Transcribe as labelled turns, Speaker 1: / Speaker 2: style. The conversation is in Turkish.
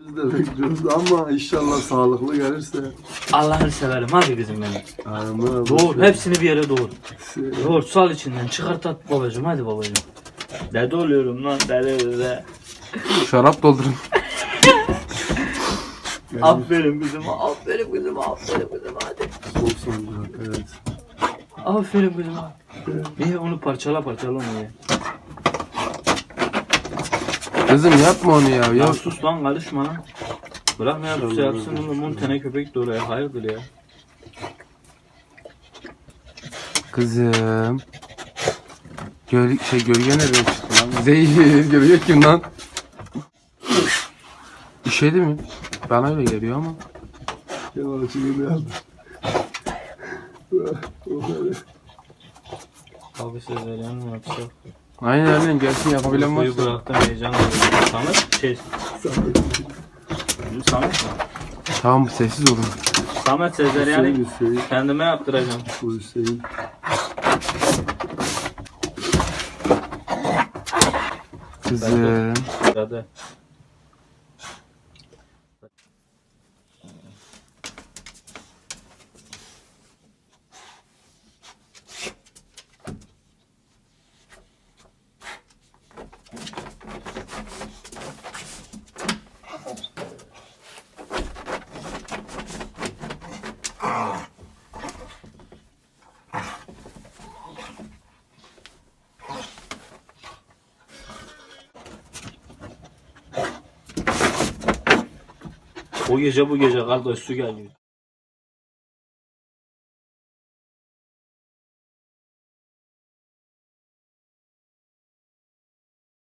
Speaker 1: Biz de bekliyoruz ama inşallah sağlıklı gelirse.
Speaker 2: Allah'ını severim hadi kızım benim.
Speaker 1: Aman.
Speaker 2: Doğur hepsini bir yere doğur. Doğur sal içinden çıkart at babacığım hadi babacığım. Dede oluyorum lan dede.
Speaker 3: Şarap doldurun.
Speaker 2: Aferin kızıma aferin kızıma aferin kızıma hadi.
Speaker 1: Soğuk sancak evet.
Speaker 2: Aferin kızıma. İyi onu parçala onu ye.
Speaker 3: Kızım yapma onu ya.
Speaker 2: Ya sus lan karışma lan. Bırak ne yapsa yapsın oğlum bunun tene köpek de oraya hayırdır ya.
Speaker 3: Kızım. Gölge nereden çıktı lan? Zehir. Gölge kim lan? İşedi mi? Bana öyle geliyor ama.
Speaker 1: Kemal Açık'ı ne yaptı?
Speaker 2: Abi sözlerini mi yapsak?
Speaker 3: Aynen gelsin yapabilen
Speaker 2: Suyu
Speaker 3: varsa.
Speaker 2: bıraktım heyecan oluyor. Samet mi?
Speaker 3: Tamam sessiz olun.
Speaker 2: Samet Sezeryan'ı
Speaker 1: Hüseyin.
Speaker 2: kendime yaptıracağım.
Speaker 1: Bu Hüseyin.
Speaker 3: Kızım.
Speaker 2: Hadi. O gece bu gece kardeş su geliyor.